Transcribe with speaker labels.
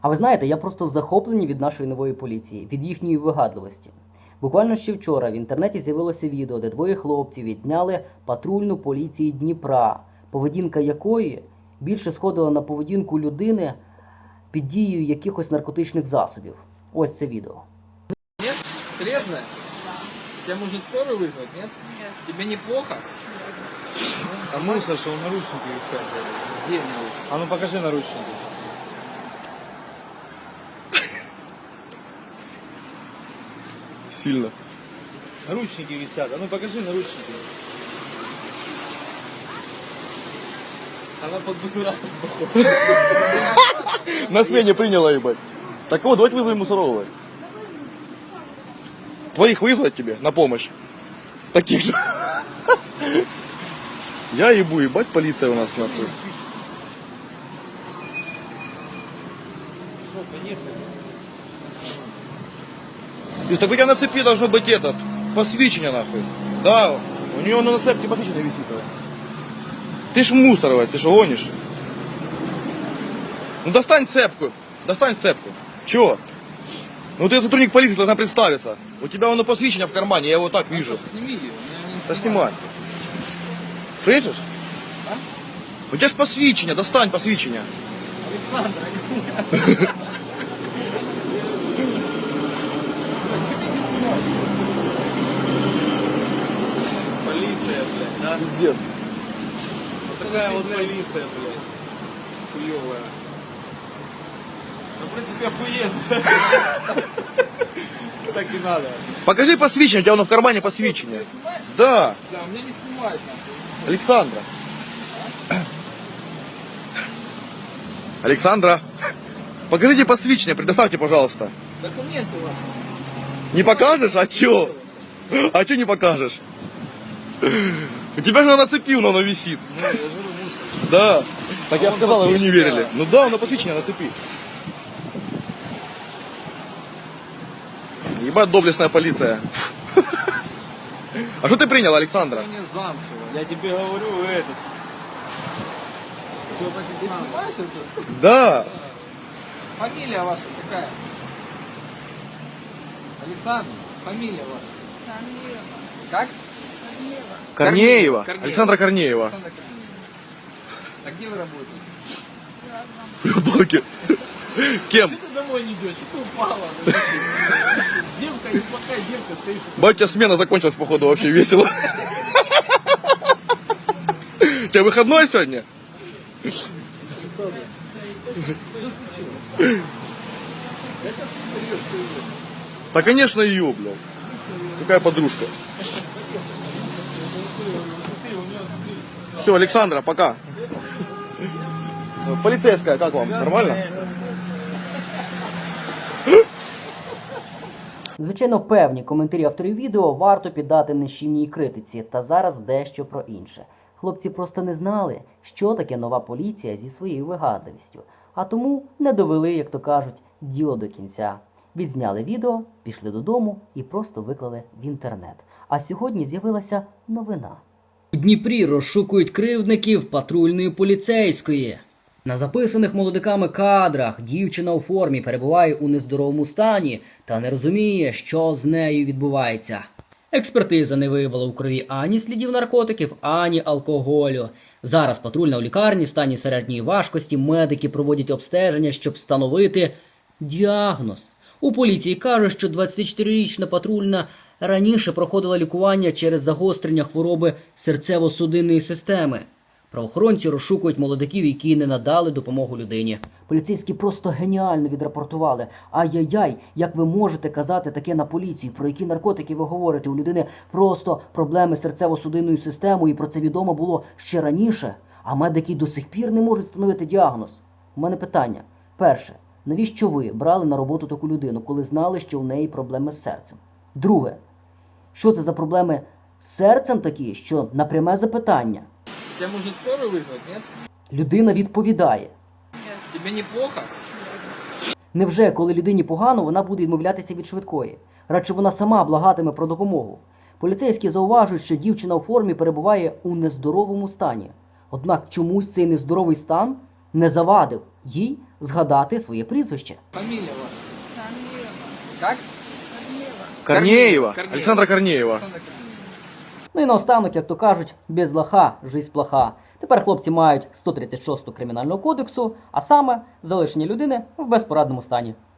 Speaker 1: А ви знаєте, я просто в захопленні від нашої нової поліції, від їхньої вигадливості. Буквально ще вчора в інтернеті з'явилося відео, де двоє хлопців відзняли патрульну поліції Дніпра, поведінка якої більше сходила на поведінку людини під дією якихось наркотичних засобів. Ось це відео.
Speaker 2: Нет? Трезвая? Тебя можно скорую вызвать, нет?
Speaker 3: Нет.
Speaker 2: Тебе неплохо?
Speaker 4: А мусор, что он наручники искать.
Speaker 2: Где наручники?
Speaker 4: А ну покажи наручники. Сильно. Наручники висят. А ну покажи наручники.
Speaker 2: Она под бутуратом похожа.
Speaker 4: На смене приняла, ебать. Так вот, давайте вызовем Мусорова. Твоих вызвать тебе на помощь? Таких же. Я ебу, ебать, полиция у нас нахуй. То есть, так у тебя на цепи должно быть этот, посвящение нахуй. Да, у нее на цепке посвящение висит. Ты ж мусоровать, ты что гонишь? Ну достань цепку, достань цепку. Чего? Ну ты сотрудник полиции, должна представиться. У тебя оно посвящение в кармане, я его так вижу.
Speaker 2: Сними ее. Меня не
Speaker 4: Да снимай. Слышишь?
Speaker 2: А?
Speaker 4: У тебя же посвящение, достань посвящение.
Speaker 2: Александр, полиция, блядь, да?
Speaker 4: Пиздец.
Speaker 2: Вот такая вот полиция, блядь. Хуёвая. Ну, в принципе, охуенно. Так и надо.
Speaker 4: Покажи посвящение, у тебя оно в кармане посвящение.
Speaker 2: Снимаешь?
Speaker 4: Да,
Speaker 2: Да, у меня не снимают, нахуй.
Speaker 4: Александра. Александра. Покажите посвящение, предоставьте, пожалуйста.
Speaker 2: Документы ваши.
Speaker 4: Не покажешь? А чё? А чё не покажешь? У тебя же оно нацепил, но оно висит.
Speaker 2: Ну, я же говорю, мусор.
Speaker 4: Да. Так я
Speaker 2: он
Speaker 4: сказал, а вы не
Speaker 2: посвящение,
Speaker 4: верили.
Speaker 2: да.
Speaker 4: Ну да, оно посвящение нацепи. Ебать, доблестная полиция. А что ты принял, Александра?
Speaker 2: Ты мне замшево.
Speaker 4: Я тебе говорю, этот.
Speaker 2: Ты снимаешь это?
Speaker 4: Да.
Speaker 2: Фамилия ваша какая? Александр, фамилия ваша.
Speaker 3: Корнеева.
Speaker 2: Как?
Speaker 3: Корнеева.
Speaker 4: Корнеева.
Speaker 2: Корнеева.
Speaker 4: Александра Корнеева.
Speaker 2: Александр Корнеев. А где вы работаете?
Speaker 3: Рядом.
Speaker 4: В банке. Кем?
Speaker 2: Что ты домой не идешь? Что ты упала? Девка, неплохая девка, стоишь.
Speaker 4: Батя, смена закончилась, походу, вообще весело. У тебя выходной сегодня?
Speaker 2: Что случилось? Это супер, что идет.
Speaker 4: Да, конечно, ее, блядь. Какая подружка. Все, Александра, пока. Полицейская, как вам? Нормально?
Speaker 1: Звичайно, певні коментарі авторів відео варто піддати нищівній критиці, та зараз дещо про інше. Хлопці просто не знали, що таке нова поліція зі своєю вигадливістю, а тому не довели, як то кажуть, діло до кінця. Відзняли відео, пішли додому і просто виклали в інтернет. А сьогодні з'явилася новина. У Дніпрі розшукують кривдників патрульної поліцейської. На записаних молодиками кадрах дівчина у формі перебуває у нездоровому стані та не розуміє, що з нею відбувається. Експертиза не виявила у крові ані слідів наркотиків, ані алкоголю. Зараз патрульна у лікарні в стані середньої важкості, медики проводять обстеження, щоб встановити діагноз. У поліції кажуть, що 24-річна патрульна раніше проходила лікування через загострення хвороби серцево-судинної системи. Правоохоронці розшукують молодиків, які не надали допомогу людині. Поліцейські просто геніально відрапортували. Ай-яй-яй, як ви можете казати таке на поліцію? Про які наркотики ви говорите? У людини просто проблеми з серцево-судинною системою, і про це відомо було ще раніше. А медики до сих пір не можуть встановити діагноз. У мене питання. Перше. Навіщо ви брали на роботу таку людину, коли знали, що у неї проблеми з серцем? Друге. Що це за проблеми з серцем такі, що на пряме запитання?
Speaker 2: Тебя можно скорую вызвать, нет?
Speaker 1: Людина відповідає.
Speaker 2: Тебе неплохо?
Speaker 1: Невже, коли людині погано, вона буде відмовлятися від швидкої? Радше вона сама благатиме про допомогу. Поліцейські зауважують, що дівчина у формі перебуває у нездоровому стані. Однак чомусь цей нездоровий стан не завадив їй згадати своє прізвище.
Speaker 2: Фамилия ваша.
Speaker 3: Корнева.
Speaker 2: Как?
Speaker 3: Корнева.
Speaker 4: Корнеева. Александра Корнеева.
Speaker 1: Ну і наостанок, як то кажуть, без лоха жизнь плоха. Тепер хлопці мають 136 кримінального кодексу, а саме залишення людини в безпорадному стані.